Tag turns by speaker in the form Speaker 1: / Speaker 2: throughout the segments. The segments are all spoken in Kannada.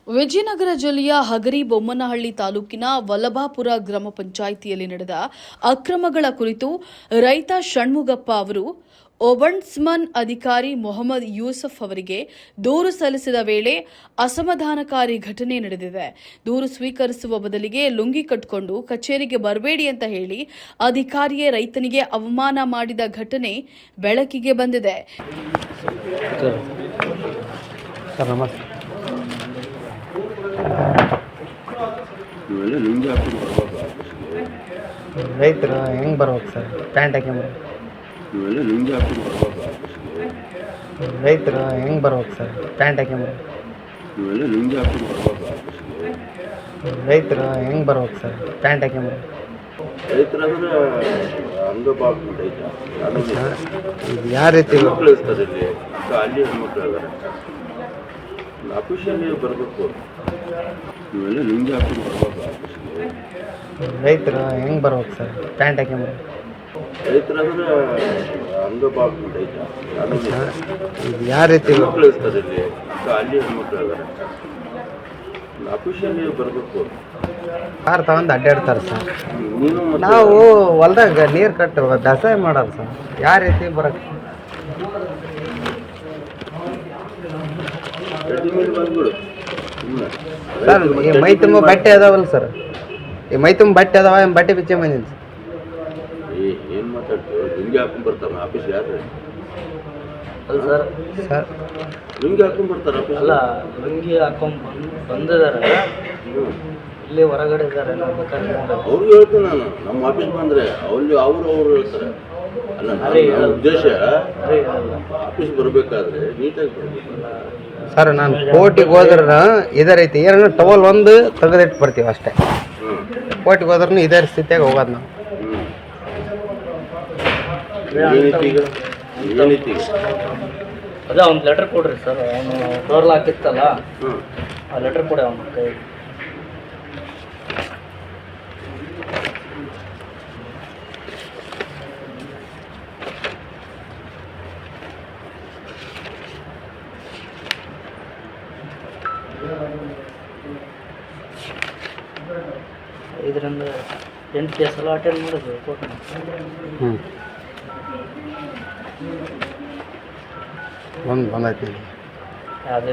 Speaker 1: ವಿಜಯನಗರ ಜಿಲ್ಲೆಯ ಹಗರಿಬೊಮ್ಮನಹಳ್ಳಿ ತಾಲೂಕಿನ ವಲ್ಲಭಾಪುರ ಗ್ರಾಮ ಪಂಚಾಯಿತಿಯಲ್ಲಿ ನಡೆದ ಅಕ್ರಮಗಳ ಕುರಿತು ರೈತ ಷಣ್ಮುಗಪ್ಪ ಅವರು ಒಬಂಡ್ಸ್ಮನ್ ಅಧಿಕಾರಿ ಮೊಹಮ್ಮದ್ ಯೂಸಫ್ ಅವರಿಗೆ ದೂರು ಸಲ್ಲಿಸಿದ ವೇಳೆ ಅಸಮಾಧಾನಕಾರಿ ಘಟನೆ ನಡೆದಿದೆ. ದೂರು ಸ್ವೀಕರಿಸುವ ಬದಲಿಗೆ ಲುಂಗಿ ಕಟ್ಟಿಕೊಂಡು ಕಚೇರಿಗೆ ಬರಬೇಡಿ ಅಂತ ಹೇಳಿ ಅಧಿಕಾರಿಯೇ ರೈತನಿಗೆ ಅವಮಾನ ಮಾಡಿದ ಘಟನೆ ಬೆಳಕಿಗೆ ಬಂದಿದೆ.
Speaker 2: ರೈತರು ಹೆಂಗೆ ಬರ್ಬೇಕು ಸರ್? ಪ್ಯಾಂಟ್ ಹಾಕ್ಯಂಬ ರೈತರು ಹೆಂಗೆ ಬರ್ಬೇಕು ಸರ್? ಪ್ಯಾಂಟ್ ಹಾಕ್ಯಂಬ ರೈತರು ಹೆಂಗೆ ಬರ್ಬೇಕು ಸರ್? ಪ್ಯಾಂಟ್ ಹಾಕ್ಯಂಬ ಯಾವ ರೀತಿ
Speaker 3: ಆಫೀಸಲ್ಲಿ ಬರಬೇಕು. ನೀವೆಲ್ಲ ನಿಮ್ಗೆ ಹಾಕೊಂಡು ಬರ್ಬೇಕು.
Speaker 2: ರೈತರು ಹೆಂಗೆ ಬರ್ಬೇಕು ಸರ್? ಪ್ಯಾಂಟ್ ಹಾಕ್ಯಂಬ
Speaker 3: ರೈತರಾದ್ರೆ ಅಂಗಭಾಗ
Speaker 2: ಯಾವ ರೀತಿ
Speaker 3: ಮಕ್ಕಳು ಇರ್ತಾರೆ ಇಲ್ಲಿ, ಅಲ್ಲಿ ಹೆಣ್ಮಕ್ಳು ಇದ್ದಾರೆ. ಆಫೀಸಲ್ಲಿ ಬರಬೇಕು.
Speaker 2: ಕಾರ್ ತಗೊಂಡು ಅಡ್ಡಾಡ್ತಾರೆ ಸರ್.
Speaker 3: ನೀನು
Speaker 2: ನಾವು ಹೊಲ್ದಾಗ ನೀರು ಕಟ್ಟು ಬೇಸಾಯ ಮಾಡೋರು ಸರ್. ಯಾವ ರೀತಿ ಬರೋಕ್ಕೆ ಸರ್? ಈ ಮೈ ತುಂಬ ಬಟ್ಟೆ ಅದಾವಲ್ಲ ಸರ್? ಈ ಮೈ ತುಂಬ ಬಟ್ಟೆ ಅದಾವ, ಬಟ್ಟೆ ಬಿಚ್ಚೆ ಬಂದೀನಿ ಸರ್.
Speaker 3: ಏನು ಮಾತಾಡ್ತೀವಿ? ಲುಂಗಿ ಹಾಕೊಂಡ್ ಬರ್ತಾರೆ ಆಫೀಸ್. ಯಾರು
Speaker 4: ಅಲ್ಲ ಸರ್,
Speaker 2: ಸರ್
Speaker 3: ಲುಂಗಿ ಹಾಕೊಂಡ್ ಬರ್ತಾರೆ ಆಫೀಸ್?
Speaker 4: ಅಲ್ಲ, ಲುಂಗಿ ಹಾಕೊಂಡ್ ಬಂದಿದ್ದಾರೆ, ಇಲ್ಲಿ ಹೊರಗಡೆ ಇದ್ದಾರೆ.
Speaker 3: ಅವ್ರಿಗೆ ಹೇಳ್ತೀನಿ ನಾನು, ನಮ್ಮ ಆಫೀಸ್ ಬಂದರೆ ಅವರು ಹೇಳ್ತಾರೆ. ಅಲ್ಲ, ನನ್ನ ಉದ್ದೇಶ ಆಫೀಸ್ ಬರಬೇಕಾದ್ರೆ ನೀಟಾಗಿ ಬರಬೇಕಲ್ಲ
Speaker 2: ಸರ್. ನಾನು ಕೋರ್ಟಿಗೆ ಹೋದ್ರೆ ಇದೇ ರೀತಿ ಏನೋ ಟವಲ್ ಒಂದು ತೆಗೆದಿಟ್ಟು ಬರ್ತೀವಿ ಅಷ್ಟೇ. ಕೋರ್ಟಿಗೆ ಹೋದ್ರೂ ಇದೇ ಸ್ಥಿತಿಯಾಗಿ ಹೋಗೋದು ನಾವು.
Speaker 4: ಅದೇ ಒಂದು ಲೆಟರ್ ಕೊಡ್ರಿ ಸರ್. ಅವನು ಡೋರ್ಲ್ ಹಾಕಿತ್ತಲ್ಲ, ಆ ಲೆಟರ್ ಕೊಡಿ ಅವನ ಕೈ. ಇದರಿಂದ 8 ಕೇಸ್ ಎಲ್ಲ ಅಟೆಂಡ್ ಮಾಡಿದ್ವಿ ಕೋರ್ಟ್ನ.
Speaker 2: ಒಂದು ಬಂದೈತಿ.
Speaker 4: ಅದೇ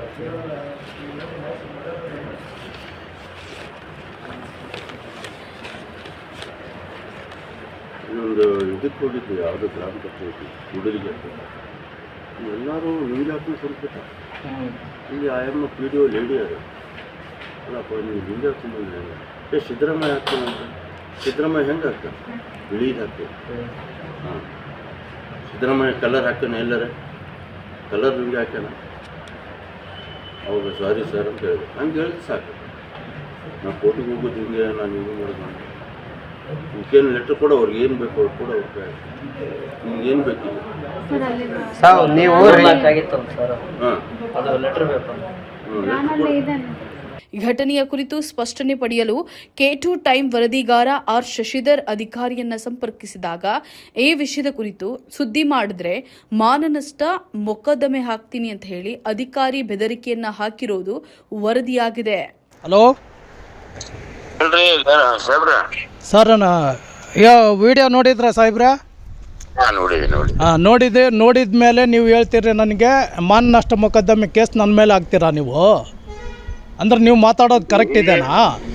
Speaker 3: ಇನ್ನೊಂದು ಇದಕ್ಕೆ ಹೋಗಿದ್ವಿ, ಯಾವುದೋ ಗ್ರಾಮ ಪಂಚಾಯತಿ ಹುಡುಗರಿಗೆ. ಎಲ್ಲರೂ ಲುಂಗಿ ಹಾಕೊಂಡು ಸ್ವಲ್ಪ ಇಲ್ಲಿ ಆಯಮ್ಮ ಪಿ ಡಿ ಒ ಲೇಡಿ ಅದು. ಅಲ್ಲಪ್ಪ, ನೀವು ಲುಂಗಿ ಹಾಕೊಂಡ್ಬಂದ್ರೆ ಸಿದ್ದರಾಮಯ್ಯ ಹಾಕ್ತಾನಂತ. ಸಿದ್ದರಾಮಯ್ಯ ಹೆಂಗೆ ಹಾಕ್ತಾನೆ? ಬಿಳಿದು ಹಾಕ್ತಾನೆ. ಹಾಂ, ಸಿದ್ದರಾಮಯ್ಯ ಕಲರ್ ಹಾಕ್ತಾನೆ. ಎಲ್ಲರ ಕಲರ್ ಲುಂಗಿ ಹಾಕ್ಯಾನ. ಅವಾಗ ಸಾರಿ ಸರ್ ಅಂತ ಹೇಳಿದೆ. ಹಂಗೆ ಹೇಳಿದ್ ಸಾಕು. ನಾನು ಕೋರ್ಟಿಗೆ ಹೋಗೋದು ಹಿಂಗೆ, ನಾನು ಹಿಂಗೆ ಮಾಡೋದು. ಈಗೇನು ಲೆಟ್ರ್ ಕೊಡೋ, ಅವ್ರಿಗೆ ಏನು ಬೇಕು ಅವ್ರು ಕೊಡೋ. ಅವ್ರಿಗೆ ನಿಮ್ಗೆ ಏನು ಬೇಕಿಲ್ಲ
Speaker 2: ಸಾವು ನೀವು
Speaker 4: ಆಗಿತ್ತು ಸರ್.
Speaker 3: ಹಾಂ,
Speaker 4: ಅದು ಲೆಟ್ರ್ ಬೇಕು.
Speaker 1: ಘಟನೆಯ ಕುರಿತು ಸ್ಪಷ್ಟನೆ ಪಡೆಯಲು K2 ಟೈಮ್ ವರದಿಗಾರ ಆರ್ ಶಶಿಧರ್ ಅಧಿಕಾರಿಯನ್ನ ಸಂಪರ್ಕಿಸಿದಾಗ ಈ ವಿಷಯದ ಕುರಿತು ಸುದ್ದಿ ಮಾಡಿದ್ರೆ ಮಾನನಷ್ಟ ಮೊಕದ್ದಮೆ ಹಾಕ್ತೀನಿ ಅಂತ ಹೇಳಿ ಅಧಿಕಾರಿ ಬೆದರಿಕೆಯನ್ನ ಹಾಕಿರೋದು ವರದಿಯಾಗಿದೆ.
Speaker 5: ಹಲೋ ಸರ್, ವಿಡಿಯೋ ನೋಡಿದ್ರ ಸಾಹೇಬ್ರ? ನೋಡಿದ ಮೇಲೆ ನೀವು ಹೇಳ್ತೀರಿ ನನಗೆ ಮಾನನಷ್ಟ ಮೊಕದ್ದಮೆ ಕೇಸ್ ನನ್ನ ಮೇಲೆ ಹಾಕ್ತೀರಾ ನೀವು? ಅಂದ್ರೆ ನೀವು ಮಾತಾಡೋದು ಕರೆಕ್ಟ್ ಇದೆನಾ?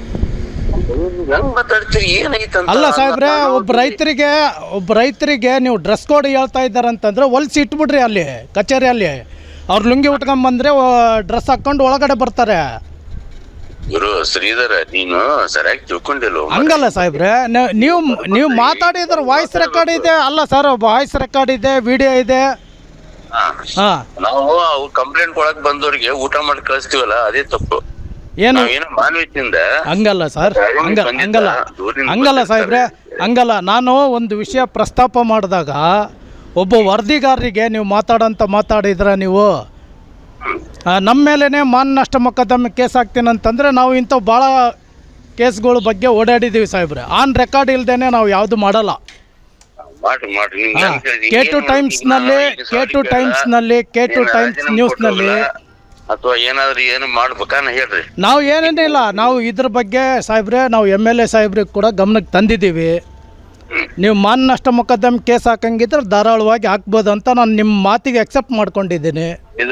Speaker 5: ಅಲ್ಲ ಸಾಹೇಬ್ರೆ, ಒಬ್ಬ ರೈತರಿಗೆ ನೀವು ಡ್ರೆಸ್ ಕೋಡ್ ಹೇಳ್ತಾ ಇದ್ದಾರಂತಂದ್ರೆ ಹೊಲ್ಸಿ ಇಟ್ಬಿಡ್ರಿ ಅಲ್ಲಿ ಕಚೇರಿಯಲ್ಲಿ. ಅವ್ರು ಲುಂಗಿ ಉಟ್ಕೊಂಡ್ಬಂದ್ರೆ ಡ್ರೆಸ್ ಹಾಕ್ಕೊಂಡು ಒಳಗಡೆ ಬರ್ತಾರೆ.
Speaker 6: ಗುರು ಶ್ರೀಧರ, ನೀನು ಸರಿಯಾಗಿ ತಿಳ್ಕೊಂಡಿಲ್ಲ.
Speaker 5: ಹಂಗಲ್ಲ ಸಾಹೇಬ್ರೆ, ನೀವು ಮಾತಾಡಿದ್ರೆ ವಾಯ್ಸ್ ರೆಕಾರ್ಡ್ ಇದೆ. ಅಲ್ಲ ಸರ್, ವಾಯ್ಸ್ ರೆಕಾರ್ಡ್ ಇದೆ, ವಿಡಿಯೋ ಇದೆ.
Speaker 6: ನಾವು ಅವ್ರು ಕಂಪ್ಲೇಂಟ್ ಕೊಡಕ್ ಬಂದವ್ರಿಗೆ ಊಟ ಮಾಡಿ ಕಳಿಸ್ತೀವಲ್ಲ, ಅದೇ ತಪ್ಪು.
Speaker 5: ಏನು
Speaker 6: ಮಾನವೀಯತೆಯಿಂದ
Speaker 5: ಹಂಗಲ್ಲ ಸರ್, ಹಂಗಲ್ಲ ಸಾಹೇಬ್ರೆ, ಹಂಗಲ್ಲ. ನಾನು ಒಂದು ವಿಷಯ ಪ್ರಸ್ತಾಪ ಮಾಡಿದಾಗ ಒಬ್ಬ ವರದಿಗಾರರಿಗೆ ನೀವು ಮಾತಾಡಿದ್ರೆ ನೀವು ನಮ್ಮ ಮೇಲೇ ಮಾನನಷ್ಟ ಮೊಕದ್ದಮೆ ಕೇಸ್ ಹಾಕ್ತೀನಂತಂದರೆ ನಾವು ಇಂಥವು ಭಾಳ ಕೇಸ್ಗಳ ಬಗ್ಗೆ ಓಡಾಡಿದ್ದೀವಿ ಸಾಹೇಬ್ರೆ. ಆನ್ ರೆಕಾರ್ಡ್ ಇಲ್ದೇನೆ ನಾವು ಯಾವುದು ಮಾಡಲ್ಲ. K2 ಟೈಮ್ಸ್ ನ್ಯೂಸ್ನಲ್ಲಿ
Speaker 6: ಅಥವಾ ಏನಾದ್ರು ಏನು ಮಾಡ್ಬೇಕಾ ಹೇಳ್ರಿ.
Speaker 5: ನಾವು ಏನೇನಿಲ್ಲ, ನಾವು ಇದ್ರ ಬಗ್ಗೆ ಸಾಹೇಬ್ರೆ ನಾವು MLA ಸಾಹೇಬ್ರಿಗೆ ಕೂಡ ಗಮನಕ್ಕೆ ತಂದಿದ್ದೀವಿ. ನೀವು ಮಾನ ನಷ್ಟ ಮೊಕದ್ದಮೆ ಕೇಸ್ ಹಾಕಂಗಿದ್ರೆ ಧಾರಾಳವಾಗಿ ಹಾಕ್ಬೋದು ಅಂತ ನಾನು ನಿಮ್ಮ ಮಾತಿಗೆ ಅಕ್ಸೆಪ್ಟ್ ಮಾಡ್ಕೊಂಡಿದ್ದೀನಿ.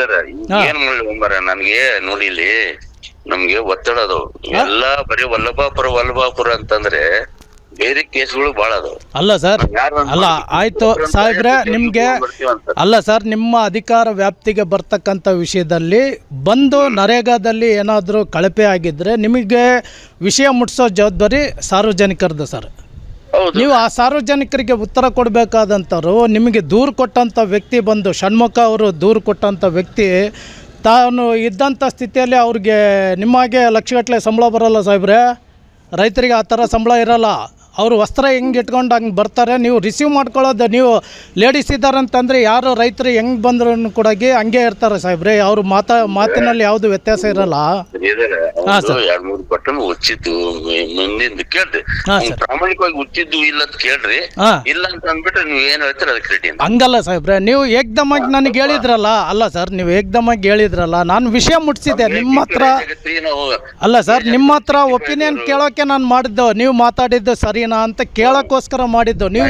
Speaker 6: ಏನ್ ಮಾಡಿ ನನ್ಗೆ ನೋಡಿ, ಇಲ್ಲಿ ನಮ್ಗೆ ಒತ್ತಡ ಅದಾವ ಎಲ್ಲಾ, ಬರೀ ವಲ್ಲಭಾಪುರ ಅಂತಂದ್ರೆ ಬೇರೆ ಕೇಸ್ಗಳು ಬಾಳ ಅದಾವ.
Speaker 5: ಅಲ್ಲ ಸರ್, ಅಲ್ಲ ಆಯ್ತು ಸಾಹೇಬ್ರೆ, ನಿಮ್ಗೆ ಅಲ್ಲ ಸರ್, ನಿಮ್ಮ ಅಧಿಕಾರ ವ್ಯಾಪ್ತಿಗೆ ಬರ್ತಕ್ಕಂಥ ವಿಷಯದಲ್ಲಿ ಬಂದು ನರೇಗಾದಲ್ಲಿ ಏನಾದರೂ ಕಳಪೆ ಆಗಿದ್ರೆ ನಿಮಗೆ ವಿಷಯ ಮುಟ್ಟಿಸೋ ಜವಾಬ್ದಾರಿ ಸಾರ್ವಜನಿಕರದ್ದು ಸರ್. ನೀವು ಆ ಸಾರ್ವಜನಿಕರಿಗೆ ಉತ್ತರ ಕೊಡಬೇಕಾದಂಥವ್ರು. ನಿಮಗೆ ದೂರು ಕೊಟ್ಟಂಥ ವ್ಯಕ್ತಿ ಬಂದು ಷಣ್ಮುಖ ಅವರು ದೂರು ಕೊಟ್ಟಂಥ ವ್ಯಕ್ತಿ ತಾನು ಇದ್ದಂಥ ಸ್ಥಿತಿಯಲ್ಲಿ ಅವ್ರಿಗೆ ನಿಮ್ಮಾಗೆ ಲಕ್ಷಗಟ್ಟಲೆ ಸಂಬಳ ಬರೋಲ್ಲ ಸಾಹೇಬ್ರೆ. ರೈತರಿಗೆ ಆ ಥರ ಸಂಬಳ ಇರೋಲ್ಲ. ಅವರು ವಸ್ತ್ರ ಹೆಂಗೆ ಇಟ್ಕೊಂಡು ಹಂಗೆ ಬರ್ತಾರೆ. ನೀವು ರಿಸೀವ್ ಮಾಡ್ಕೊಳ್ಳೋದು, ನೀವು ಲೇಡೀಸ್ ಇದ್ದಾರೆ ಅಂತಂದರೆ ಯಾರು ರೈತರು ಹೆಂಗೆ ಬಂದ್ರು ಕೂಡ ಹಂಗೆ ಇರ್ತಾರೆ ಸಾಹೇಬ್ರೆ. ಅವರು ಮಾತಿನಲ್ಲಿ ಯಾವುದು ವ್ಯತ್ಯಾಸ ಇರಲ್ಲ. ಹಾಂ ಸರ್,
Speaker 6: 2-3 ಬಟನ್ ಉಚ್ಚಿದ್ದು ಮುಂದಿಂದ ಕೇಳ್ರಿ, ಪ್ರಾಮಾಣಿಕವಾಗಿ ಉಚ್ಚಿದ್ದು ಇಲ್ಲ ಅಂತ ಕೇಳ್ರಿ. ಇಲ್ಲ ಅಂತ ಅಂದ್ಬಿಟ್ರೆ ನೀವು ಏನ್ ಹೇಳ್ತೀರ ಅದಕ್ಕೆ ರೆಡಿ.
Speaker 5: ಹಂಗಲ್ಲ ಸಾಹೇಬ್ರೆ, ನೀವು ಏಕ್ದಮಾಗಿ ನನಗೆ ಹೇಳಿದ್ರಲ್ಲ. ಅಲ್ಲ ಸರ್, ನೀವು ಏಕ್ದಮಾಗಿ ಹೇಳಿದ್ರಲ್ಲ, ನಾನು ವಿಷಯ ಮುಟ್ಟಿಸಿದ್ದೆ ನಿಮ್ಮ ಹತ್ರ. ಅಲ್ಲ ಸರ್, ನಿಮ್ಮ ಹತ್ರ ಒಪಿನಿಯನ್ ಕೇಳೋಕೆ ನಾನು ಮಾಡಿದ್ದು, ನೀವು ಮಾತಾಡಿದ್ದು ಸರಿನಾ ಅಂತ ಕೇಳೋಕ್ಕೋಸ್ಕರ ಮಾಡಿದ್ದು. ನೀವು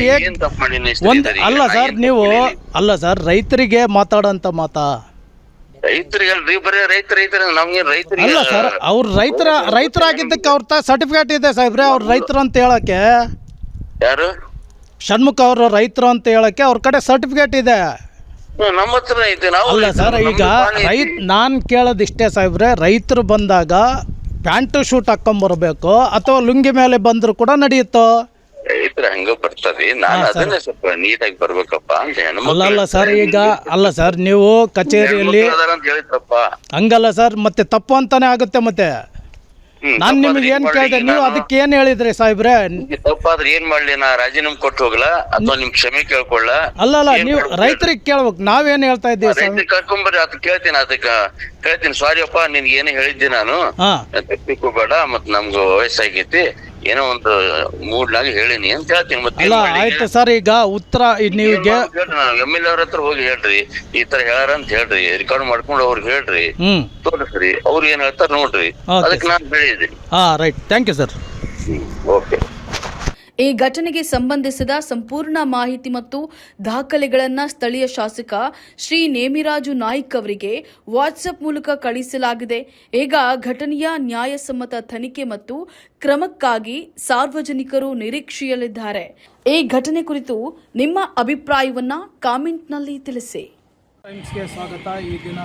Speaker 5: ಅಲ್ಲ ಸರ್, ನೀವು ಅಲ್ಲ ಸರ್, ರೈತರಿಗೆ ಮಾತಾಡೋಂಥ ಮಾತಾ
Speaker 6: ರೈತರಿಗಲ್ರಿ, ಬರೀ ರೈತರ ನಮ್ಗೆ ರೈತರಿಗೆ
Speaker 5: ಅಲ್ಲ ಸರ್. ಅವ್ರು ರೈತರಾಗಿದ್ದಕ್ಕೆ ಅವ್ರ ಸರ್ಟಿಫಿಕೇಟ್ ಇದೆ ಸಾಹೇಬ್ರೆ. ಅವ್ರು ರೈತರು ಅಂತ ಹೇಳಕ್ಕೆ,
Speaker 6: ಯಾರು
Speaker 5: ಷಣ್ಮುಖ ಅವರು ರೈತರು ಅಂತ ಹೇಳಕ್ಕೆ ಅವ್ರ ಕಡೆ ಸರ್ಟಿಫಿಕೇಟ್ ಇದೆ.
Speaker 6: ನಮ್ಮ ಹತ್ರ ಐತೆ. ನಾವು
Speaker 5: ಅಲ್ಲ ಸರ್, ಈಗ ನಾನು ಕೇಳೋದಿಷ್ಟೇ ಸಾಹೇಬ್ರೆ, ರೈತರು ಬಂದಾಗ ಪ್ಯಾಂಟು ಶೂಟ್ ಹಾಕೊಂಬರ್ಬೇಕು ಅಥವಾ ಲುಂಗಿ ಮೇಲೆ ಬಂದ್ರು ಕೂಡ ನಡೆಯುತ್ತೋ?
Speaker 6: ರೈತರು ಹಂಗ ಬರ್ತಾರ್ರಿ, ನಾನು ಅದನ್ನೇ ಸ್ವಲ್ಪ ನೀಟಾಗಿ ಬರ್ಬೇಕಪ್ಪ ಅಂತ.
Speaker 5: ಅಲ್ಲ ಸರ್, ಈಗ ಅಲ್ಲ ಸರ್, ನೀವು ಕಚೇರಿಯಲ್ಲಿ ಹಂಗಲ್ಲ ಸರ್, ಮತ್ತೆ ತಪ್ಪು ಅಂತಾನೆ ಆಗುತ್ತೆ. ಮತ್ತೆ ನಾನು ನಿಮ್ಗೆ ಏನ್ ಕೇಳಿದೆ, ನೀವು ಅದಕ್ಕೆ ಏನ್ ಹೇಳಿದ್ರಿ ಸಾಹೇಬ್ರೆ?
Speaker 6: ತಪ್ಪಾದ್ರೆ ಏನ್ ಮಾಡ್ಲಿ, ನಾ ರಾಜೀನಾಮೆ ಕೊಟ್ಟು ಹೋಗ್ಲಾ ಅಥವಾ ನಿಮ್ ಕ್ಷಮೆ ಕೇಳ್ಕೊಳ್ಳ?
Speaker 5: ಅಲ್ಲ, ನೀವು ರೈತರಿಗೆ ಕೇಳ್ಬೇಕು, ನಾವೇನ್ ಹೇಳ್ತಾ ಇದ್ದೀವಿ ಸರ್?
Speaker 6: ಕರ್ಕೊಂಬರ್ರಿ, ಅದಕ್ಕೆ ಕೇಳ್ತೀನಿ. ಸಾರಿ ಅಪ್ಪ, ನಿನ್ಗೆ ಏನೇ ಹೇಳಿದ್ದೆ ನಾನು, ತಪ್ಪಿಕೋಬೇಡ, ಮತ್ ನಮ್ಗೆ ವಯಸ್ಸಾಗೈತಿ, ಏನೋ ಒಂದು ಮೂಡ್ನಾಗ ಹೇಳಿನಿ ಅಂತ ಹೇಳ್ತೀನಿ. ಮತ್ತೆ
Speaker 5: ಅಲ್ಲ ಆಯ್ತು ಸರ್, ಈಗ ಉತ್ತರ ನೀವಿಗೆ
Speaker 6: MLA ಅವ್ರ ಹತ್ರ ಹೋಗಿ ಹೇಳ್ರಿ, ಈ ತರ ಹೇಳಾರ ಅಂತ ಹೇಳ್ರಿ, ರೆಕಾರ್ಡ್ ಮಾಡ್ಕೊಂಡು ಅವ್ರಿಗೆ ಹೇಳ್ರಿ, ತೋರಿಸ್ರಿ, ಅವ್ರು ಏನ್ ಹೇಳ್ತಾರ ನೋಡ್ರಿ, ಅದಕ್ಕೆ ನಾನು ಹೇಳಿದ್ದೀನಿ.
Speaker 5: Right, thank you sir.
Speaker 6: Okay.
Speaker 1: ಈ ಘಟನೆಗೆ ಸಂಬಂಧಿಸಿದ ಸಂಪೂರ್ಣ ಮಾಹಿತಿ ಮತ್ತು ದಾಖಲೆಗಳನ್ನು ಸ್ಥಳೀಯ ಶಾಸಕ ಶ್ರೀ ನೇಮಿರಾಜು ನಾಯ್ಕ್ ಅವರಿಗೆ ವಾಟ್ಸ್ಆಪ್ ಮೂಲಕ ಕಳುಹಿಸಲಾಗಿದೆ. ಈಗ ಘಟನೆಯ ನ್ಯಾಯಸಮ್ಮತ ತನಿಖೆ ಮತ್ತು ಕ್ರಮಕ್ಕಾಗಿ ಸಾರ್ವಜನಿಕರು ನಿರೀಕ್ಷೆಯಲ್ಲಿದ್ದಾರೆ. ಈ ಘಟನೆ ಕುರಿತು ನಿಮ್ಮ ಅಭಿಪ್ರಾಯವನ್ನ ಕಾಮೆಂಟ್ನಲ್ಲಿ ತಿಳಿಸಿ.
Speaker 5: ಟೈಮ್ಸ್ಗೆ ಸ್ವಾಗತ. ಈ ದಿನ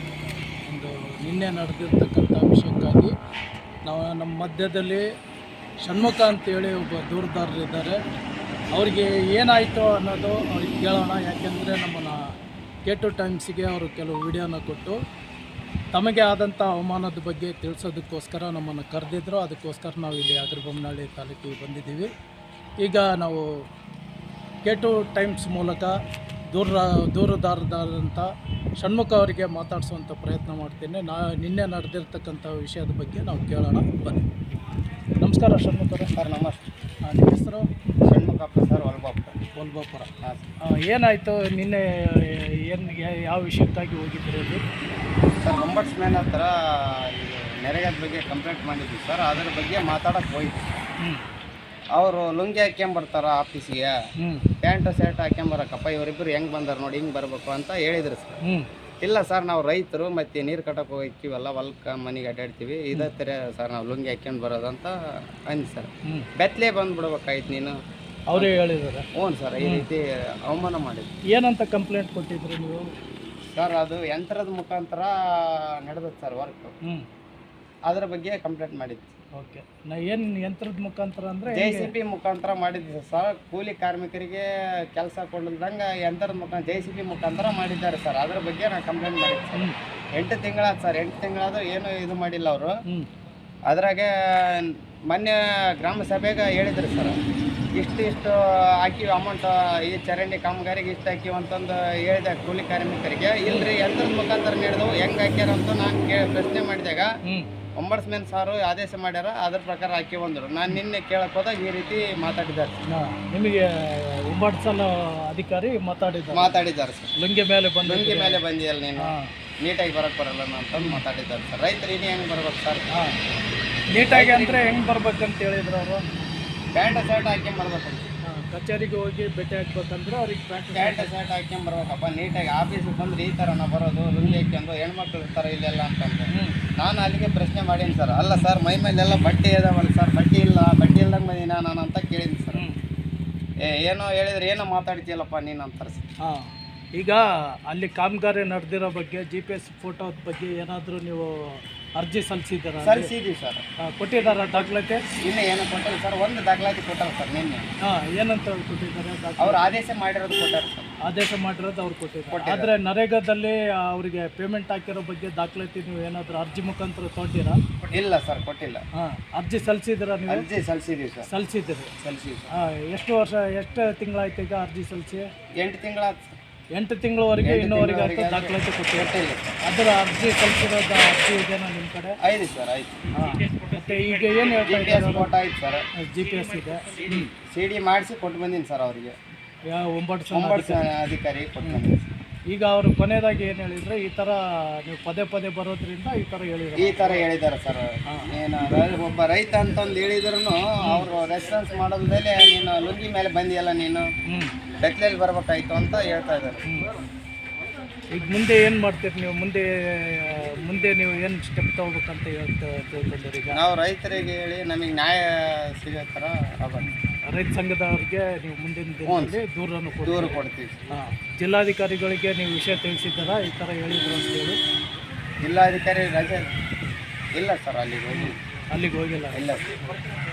Speaker 5: ನಿನ್ನೆ ನಡೆದಿರ್ತಕ್ಕಂಥ ವಿಷಯಕ್ಕಾಗಿ ನಾವು ನಮ್ಮ ಮಧ್ಯದಲ್ಲಿ ಷಣ್ಮುಖ ಅಂತೇಳಿ ಒಬ್ಬ ದೂರುದಾರರಿದ್ದಾರೆ. ಅವರಿಗೆ ಏನಾಯಿತು ಅನ್ನೋದು ಅವ್ರಿಗೆ ಕೇಳೋಣ. ಯಾಕೆಂದರೆ ನಮ್ಮನ್ನು K2 ಟೈಮ್ಸಿಗೆ ಅವರು ಕೆಲವು ವಿಡಿಯೋನ ಕೊಟ್ಟು ತಮಗೆ ಆದಂಥ ಅವಮಾನದ ಬಗ್ಗೆ ತಿಳಿಸೋದಕ್ಕೋಸ್ಕರ ನಮ್ಮನ್ನು ಕರೆದಿದ್ರು. ಅದಕ್ಕೋಸ್ಕರ ನಾವು ಇಲ್ಲಿ ಹಗರಿಬೊಮ್ಮನಹಳ್ಳಿ ತಾಲೂಕಿಗೆ ಬಂದಿದ್ದೀವಿ. ಈಗ ನಾವು K2 ಟೈಮ್ಸ್ ಮೂಲಕ ದೂರುದಾರರಾದಂಥ ಷಣ್ಮುಖ ಅವರಿಗೆ ಮಾತಾಡಿಸುವಂಥ ಪ್ರಯತ್ನ ಮಾಡ್ತೀನಿ. ನಿನ್ನೆ ನಡೆದಿರ್ತಕ್ಕಂಥ ವಿಷಯದ ಬಗ್ಗೆ ನಾವು ಕೇಳೋಣ, ಬನ್ನಿ. ನಮಸ್ಕಾರ ಷಣ್ಮುಖ ಸರ್. ನಮಸ್ತೆ. ನಿಮ್ಮ ಹೆಸರು?
Speaker 2: ಷಣ್ಮುಖಪ್ಪ ಸರ್, ವಲ್ಭಾಪುರ.
Speaker 5: ಏನಾಯಿತು ನಿನ್ನೆ? ಯಾವ ವಿಷಯಕ್ಕಾಗಿ ಹೋಗಿದ್ರು ಅಲ್ಲಿ?
Speaker 2: ಸರ್, ಒಂಬಟ್ಸ್ಮ್ಯಾನ್ ಹತ್ರ ನೆರೆಗದ ಬಗ್ಗೆ ಕಂಪ್ಲೇಂಟ್ ಮಾಡಿದ್ವಿ ಸರ್. ಅದ್ರ ಬಗ್ಗೆ ಮಾತಾಡೋಕೆ ಹೋಯ್ತು. ಅವರು ಲುಂಗಿ ಹಾಕ್ಕೊಂಬರ್ತಾರ ಆಫೀಸಿಗೆ, ಪ್ಯಾಂಟು ಶರ್ಟ್ ಹಾಕ್ಕೊಂಬರಕ್ಕಪ್ಪ, ಇವರಿಬ್ಬರು ಹೆಂಗೆ ಬಂದಾರ ನೋಡಿ, ಹಿಂಗೆ ಬರಬೇಕು ಅಂತ ಹೇಳಿದ್ರು ಸರ್. ಇಲ್ಲ ಸರ್, ನಾವು ರೈತರು ಮತ್ತು ನೀರು ಕಟ್ಟಕ್ಕೆ ಹೋಗ್ತೀವಲ್ಲ, ಹೊಲ್ಕ ಮನೆಗೆ ಅಡ್ಡಾಡ್ತೀವಿ, ಇದೇ ಥರ ಸರ್ ನಾವು ಲುಂಗಿ ಹಾಕ್ಕೊಂಡು ಬರೋದಂತ ಅಂದು ಸರ್. ಬೆತ್ತಲೇ ಬಂದುಬಿಡ್ಬೇಕಾಯ್ತು ನೀನು,
Speaker 5: ಅವರೇ ಹೇಳಿದ್ದಾರೆ.
Speaker 2: ಹ್ಞೂ ಸರ್, ಈ ರೀತಿ ಅವಮಾನ ಮಾಡಿದ್ವಿ.
Speaker 5: ಏನಂತ ಕಂಪ್ಲೇಂಟ್ ಕೊಟ್ಟಿದ್ರು ನೀವು?
Speaker 2: ಸರ್, ಅದು ಯಂತ್ರದ ಮುಖಾಂತರ ನಡೆದದ್ದು ಸರ್ ವರ್ಕ್, ಅದ್ರ ಬಗ್ಗೆ ಕಂಪ್ಲೇಂಟ್ ಮಾಡಿದ್ವಿ.
Speaker 5: ಓಕೆ. ಏನು ಯಂತ್ರದ ಮುಖಾಂತರ ಅಂದರೆ?
Speaker 2: JCB ಮುಖಾಂತರ ಮಾಡಿದ್ವಿ ಸರ್. ಕೂಲಿ ಕಾರ್ಮಿಕರಿಗೆ ಕೆಲಸ ಕೊಡಲ್ದಂಗೆ ಯಂತ್ರದ ಮುಖಾಂತರ JCB ಮುಖಾಂತರ ಮಾಡಿದ್ದಾರೆ ಸರ್. ಅದ್ರ ಬಗ್ಗೆ ನಾನು ಕಂಪ್ಲೇಂಟ್ ಮಾಡಿದ್ದೆ ಸರ್. 8 ತಿಂಗಳಾದ ಸರ್. 8 ತಿಂಗಳಾದ್ರೂ ಏನು ಇದು ಮಾಡಿಲ್ಲ ಅವರು. ಅದ್ರಾಗೆ ಮೊನ್ನೆ ಗ್ರಾಮ ಸಭೆಗೆ ಹೇಳಿದ್ರು ಸರ್, ಇಷ್ಟು ಹಾಕಿವಿ ಅಮೌಂಟ್, ಈ ಚರಂಡಿ ಕಾಮಗಾರಿಗೆ ಇಷ್ಟು ಹಾಕಿವಿ ಅಂತಂದು ಹೇಳಿದೆ ಕೂಲಿ ಕಾರ್ಮಿಕರಿಗೆ. ಇಲ್ರಿ, ಯಂತ್ರದ ಮುಖಾಂತರ ನಡೆದವು, ಹೆಂಗೆ ಹಾಕ್ಯಾರ ಅಂತ ನಾನು ಪ್ರಶ್ನೆ ಮಾಡಿದಾಗ ಒಂಬಟ್ಸ್ಮ್ಯಾನ್ ಸಾರು ಆದೇಶ ಮಾಡ್ಯಾರ, ಅದ್ರ ಪ್ರಕಾರ ಹಾಕಿ ಬಂದರು. ನಾನು ನಿನ್ನೆ ಕೇಳಕ್ಕೆ ಹೋದಾಗ ಈ ರೀತಿ ಮಾತಾಡಿದ್ದಾರೆ.
Speaker 5: ನಿಮಗೆ ಒಂಬಟ್ಸಲ ಅಧಿಕಾರಿ ಮಾತಾಡಿದ್ದಾರೆ
Speaker 2: ಸರ್.
Speaker 5: ಲುಂಗಿ ಮೇಲೆ
Speaker 2: ಬಂದಿಯಲ್ಲ ನೀನು, ನೀಟಾಗಿ ಬರೋಕ್ಕೆ ಬರಲ್ಲ ಅಂತಂದು ಮಾತಾಡಿದ್ದಾರೆ ಸರ್. ರೈತರು ಇನ್ನು ಹೆಂಗೆ ಬರ್ಬೇಕು ಸರ್?
Speaker 5: ಹಾಂ, ನೀಟಾಗಿ ಅಂದರೆ ಹೆಂಗೆ ಬರ್ಬೇಕಂತ ಹೇಳಿದ್ರು ಅವರು?
Speaker 2: ಪ್ಯಾಂಟ್ ಶರ್ಟ್ ಹಾಕ್ಕೊಂಬರ್ಬೇಕಂತ.
Speaker 5: ಕಚೇರಿಗೆ ಹೋಗಿ ಭೇಟಿ ಹಾಕ್ಬೇಕಂದ್ರೆ ಅವ್ರಿಗೆ
Speaker 2: ಪ್ಯಾಂಟ್ ಶರ್ಟ್ ಹಾಕ್ಕೊಂಬರ್ಬೇಕಪ್ಪ. ನೀಟಾಗಿ ಆಫೀಸಿಗೆ ಬಂದ್ರೆ ಈ ಥರ ನಾವು ಬರೋದು, ಲುಂಗಿ ಹಾಕ್ಕೊಂಡು ಹೆಣ್ಮಕ್ಳು ಇರ್ತಾರೆ ಇಲ್ಲೆಲ್ಲ ಅಂತಂದ್ರೆ ನಾನು ಅಲ್ಲಿಗೆ ಪ್ರಶ್ನೆ ಮಾಡೀನಿ ಸರ್. ಅಲ್ಲ ಸರ್, ಮೈ ಮೇಲೆಲ್ಲ ಬಟ್ಟೆ ಇದಾವಲ್ಲ ಸರ್, ಬಟ್ಟೆ ಇಲ್ದಂಗೆ ಬಂದೀನಿ ನಾನು ಅಂತ ಕೇಳಿದ್ದೀನಿ ಸರ್. ಏನೋ ಹೇಳಿದ್ರೆ ಏನೋ ಮಾತಾಡ್ತೀಯಲ್ಲಪ್ಪ ನೀನು ಅಂತಾರೆ ಸರ್.
Speaker 5: ಹಾಂ, ಈಗ ಅಲ್ಲಿ ಕಾಮಗಾರಿ ನಡೆದಿರೋ ಬಗ್ಗೆ GPS ಫೋಟೋದ ಬಗ್ಗೆ ಏನಾದರೂ ನೀವು ಅರ್ಜಿ ಸಲ್ಲಿಸಿದ್ದೀರಾ?
Speaker 2: ಸಲ್ಲಿಸಿದ್ದೀವಿ ಸರ್.
Speaker 5: ಕೊಟ್ಟಿದ್ದಾರಾ ದಾಖಲಾತಿ?
Speaker 2: ಇನ್ನೂ ಏನೋ ಕೊಟ್ಟಿಲ್ಲ ಸರ್. ಒಂದು ದಾಖಲಾತಿ ಕೊಟ್ಟಾರ ಸರ್ ನಿನ್ನೆ.
Speaker 5: ಹಾಂ, ಏನಂತ ಕೊಟ್ಟಿದ್ದಾರೆ?
Speaker 2: ಅವ್ರು ಆದೇಶ ಮಾಡಿರೋದು ಕೊಟ್ಟಾರ ಸರ್.
Speaker 5: ಆದೇಶ ಮಾಡಿರೋದು ಅವ್ರು ಕೊಟ್ಟಿದ್ದಾರೆ. ಆದರೆ ನರೇಗಾದಲ್ಲಿ ಅವರಿಗೆ ಪೇಮೆಂಟ್ ಹಾಕಿರೋ ಬಗ್ಗೆ ದಾಖಲಾತಿ ನೀವು ಏನಾದರೂ ಅರ್ಜಿ ಮುಖಾಂತರ ತೊಗೊಂಡಿರಾ?
Speaker 2: ಇಲ್ಲ ಸರ್, ಕೊಟ್ಟಿಲ್ಲ.
Speaker 5: ಹಾಂ, ಅರ್ಜಿ ಸಲ್ಲಿಸಿದ್ದೀರಾ ನೀವು?
Speaker 2: ಅರ್ಜಿ ಸಲ್ಲಿಸಿದ್ದೀವಿ ಸರ್.
Speaker 5: ಸಲ್ಲಿಸಿದ್ದೀರಿ. ಹಾಂ, ಎಷ್ಟು ತಿಂಗಳಾಯ್ತು ಈಗ ಅರ್ಜಿ ಸಲ್ಲಿಸಿ?
Speaker 2: 8 ತಿಂಗಳಾಯ್ತು ಸರ್.
Speaker 5: 8 ತಿಂಗಳವರೆಗೆ ಇನ್ನೂವರೆಗೆ ಅಂತ ದಾಖಲಾತಿ ಕೊಟ್ಟಿಲ್ಲ. ಅದರ ಅರ್ಜಿ ಸಲ್ಲಿಸಿರೋದು ಅರ್ಜಿ ಇದೆಯಾ ನಿಮ್ಮ ಕಡೆ?
Speaker 2: ಐದು ಸರ್, ಆಯ್ತು.
Speaker 5: ಹಾಂ, ಮತ್ತು ಈಗ ಏನು ಹೇಳ್ತಾ
Speaker 2: GPS ಫೋಟೋ ಆಯ್ತು ಸರ್.
Speaker 5: GPS ಇದೆ.
Speaker 2: CD ಮಾಡಿಸಿ ಕೊಟ್ಟು ಬಂದೀನಿ ಸರ್ ಅವರಿಗೆ.
Speaker 5: ಯಾವ ಒಂಬತ್ತು
Speaker 2: ಅಧಿಕಾರಿ ಕೊಟ್ಟು ಬಂದೀನಿ.
Speaker 5: ಈಗ ಅವರು ಕೊನೆಯದಾಗಿ ಏನು ಹೇಳಿದರೆ, ಈ ಥರ ನೀವು ಪದೇ ಪದೇ ಬರೋದ್ರಿಂದ ಈ ಥರ
Speaker 2: ಹೇಳಿದ್ದಾರೆ ಸರ್. ಏನು ಒಬ್ಬ ರೈತ ಅಂತಂದು ಹೇಳಿದ್ರು ಅವರು ರೆಸ್ಪಾನ್ಸ್ ಮಾಡೋದ್ಮೇಲೆ ನೀನು ಲುಂಗಿ ಮೇಲೆ ಬಂದಿಯಲ್ಲ, ನೀನು ಬೆತ್ತಲೆಯಲ್ಲಿ ಬರ್ಬೇಕಾಯ್ತು ಅಂತ ಹೇಳ್ತಾ ಇದ್ದಾರೆ.
Speaker 5: ಈಗ ಮುಂದೆ ಏನು ಮಾಡ್ತೀರಿ ನೀವು? ಮುಂದೆ ನೀವು ಏನು ಸ್ಟೆಪ್ ತಗೋಬೇಕಂತ ತಿಳ್ಕೊಂಡಿರಿ? ಈಗ
Speaker 2: ನಾವು ರೈತರಿಗೆ ಹೇಳಿ ನಮಗೆ ನ್ಯಾಯ ಸಿಗೋ ಥರ
Speaker 5: ರೈತ ಸಂಘದವ್ರಿಗೆ ನೀವು ಮುಂದಿನ ದಿನದಲ್ಲಿ ದೂರ
Speaker 2: ಕೊಡ್ತೀವಿ.
Speaker 5: ಹಾಂ, ಜಿಲ್ಲಾಧಿಕಾರಿಗಳಿಗೆ ನೀವು ವಿಷಯ ತಿಳಿಸಿದ್ದಾರಾ ಈ ಥರ ಹೇಳಿದ್ರು ಅಂತೇಳಿ?
Speaker 2: ಜಿಲ್ಲಾಧಿಕಾರಿ ರಜೆ ಇಲ್ಲ ಸರ್, ಅಲ್ಲಿಗೆ ಹೋಗಿಲ್ಲ
Speaker 5: ಇಲ್ಲ
Speaker 2: ಸರ್.